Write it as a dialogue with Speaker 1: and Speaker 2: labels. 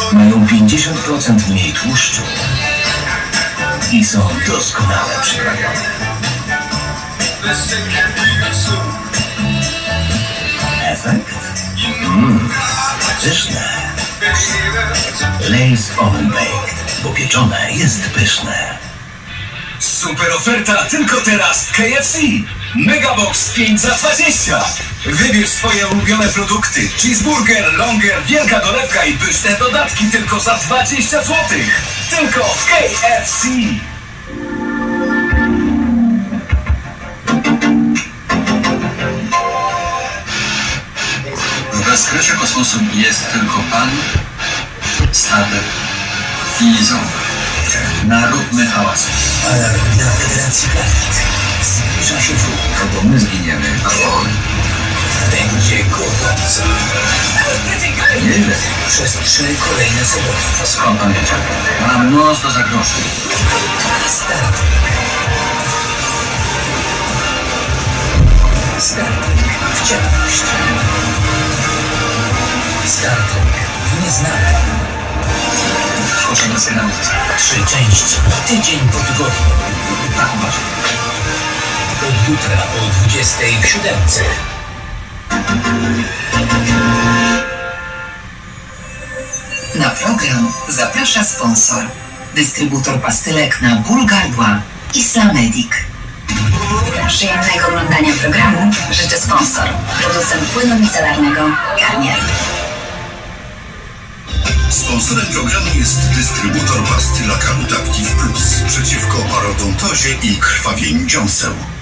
Speaker 1: Mają 50% mniej tłuszczu i są doskonale przyprawione. Efekt? Pyszne. Lay's Oven Baked, bo pieczone jest pyszne.
Speaker 2: Super oferta tylko teraz w KFC! Megabox 5 za 20! Wybierz swoje ulubione produkty. Cheeseburger, longer, wielka dolewka i pyszne dodatki tylko za 20 zł. Tylko w KFC!
Speaker 3: W bezkresie kosmosu jest tylko Pan, statek i ząb. Naróbmy hałasu.
Speaker 1: Alarm na Federacji Planet. Zbliża się wróg.
Speaker 3: Albo my zginiemy, albo on.
Speaker 1: Będzie gorąco.
Speaker 3: Nieźle.
Speaker 1: Przez 3 kolejne soboty.
Speaker 3: Skąd pan wiedział? Mam nos do zagrożeń.
Speaker 1: Start. Star Trek w ciemność. Star Trek w nieznane.
Speaker 3: Tworzymy sygnał.
Speaker 1: 3 części. Tydzień po tygodniu.
Speaker 3: Tak uważam.
Speaker 1: Od jutra o 20 w 7.
Speaker 4: Na program zaprasza sponsor. Dystrybutor pastylek na ból gardła Islamedic.
Speaker 5: Przyjemnego oglądania programu życzy sponsor. Producent płynu micelarnego Garnier.
Speaker 6: Sponsorem programu jest dystrybutor pastylaka Active Plus przeciwko parodontozie i krwawieniu dziąseł.